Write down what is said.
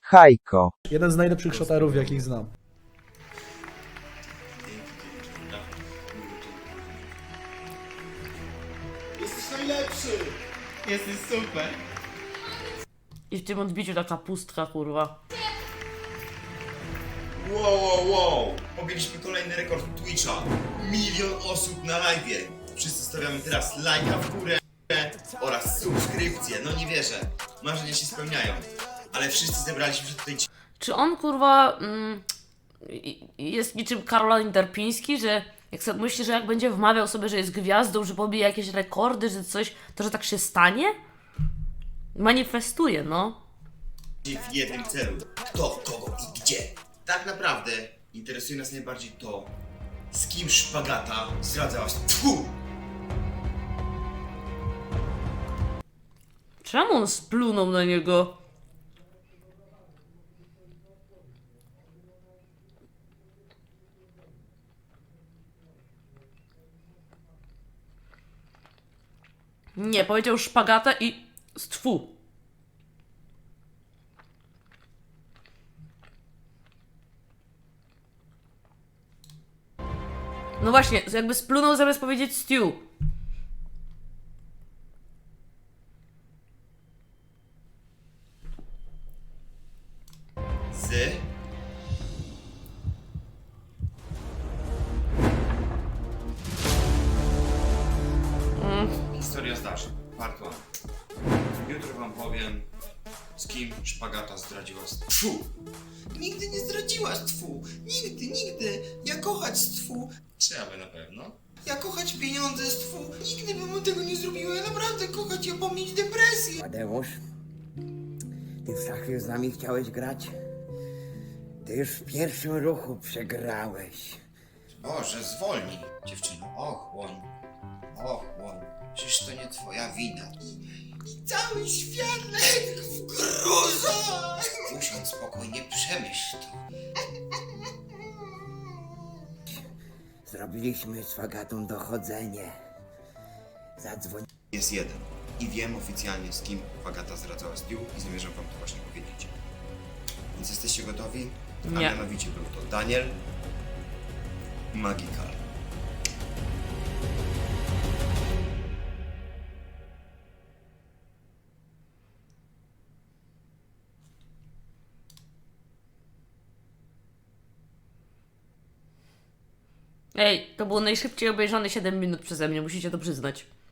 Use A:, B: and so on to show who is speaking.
A: Hajko.
B: Jeden z najlepszych szotarów, jakich znam.
C: Jesteś najlepszy!
D: Jesteś super.
E: I w tym odbiciu taka pustka, kurwa.
C: Wow! Pobiliśmy kolejny rekord Twitcha. 1 000 000 osób na live'ie. Wszyscy stawiamy teraz lajka w górę oraz subskrypcję. No nie wierzę. Marzenia się spełniają. Ale wszyscy zebraliśmy się tutaj
E: Czy on, kurwa, jest niczym Karol Interpiński, że jak sobie myśli, że jak będzie wmawiał sobie, że jest gwiazdą, że pobije jakieś rekordy, że coś, to że tak się stanie? Manifestuje, no.
C: w jednym celu. Kto, kogo i gdzie. Tak naprawdę interesuje nas najbardziej to, z kim Szpagata zdradzała się. Tfu!
E: Czemu on splunął na niego? Nie, powiedział szpagatę i stwu. No właśnie, jakby splunął zamiast powiedzieć stew.
C: Z... Historia zdarzeń. Part 1. Jutro wam powiem, z kim Szpagata zdradziła Tfu! Nigdy nie zdradziłaś Tfu! Nigdy! Ja kochać Tfu! Trzeba by na pewno. Ja kochać pieniądze z Tfu! Nigdy bym tego nie zrobiła! Ja naprawdę kochać, ja pomnieć depresję!
F: Tadeusz, ty w szachy z nami chciałeś grać? Ty już w pierwszym ruchu przegrałeś.
C: Boże, zwolnij, dziewczyno. Ochłoń. Przecież to nie twoja wina. I cały świat legł w gruzach. Usiądź spokojnie, przemyśl to.
F: Zrobiliśmy z Fagatą dochodzenie. Zadzwoń.
C: Jest jeden. I wiem oficjalnie, z kim Agata zdradzała Stu i zamierzam wam to właśnie powiedzieć. Więc jesteście gotowi? A
E: Nie.
C: mianowicie był to Daniel Magical.
E: Ej, to było najszybciej obejrzane 7 minut przeze mnie, musicie to przyznać.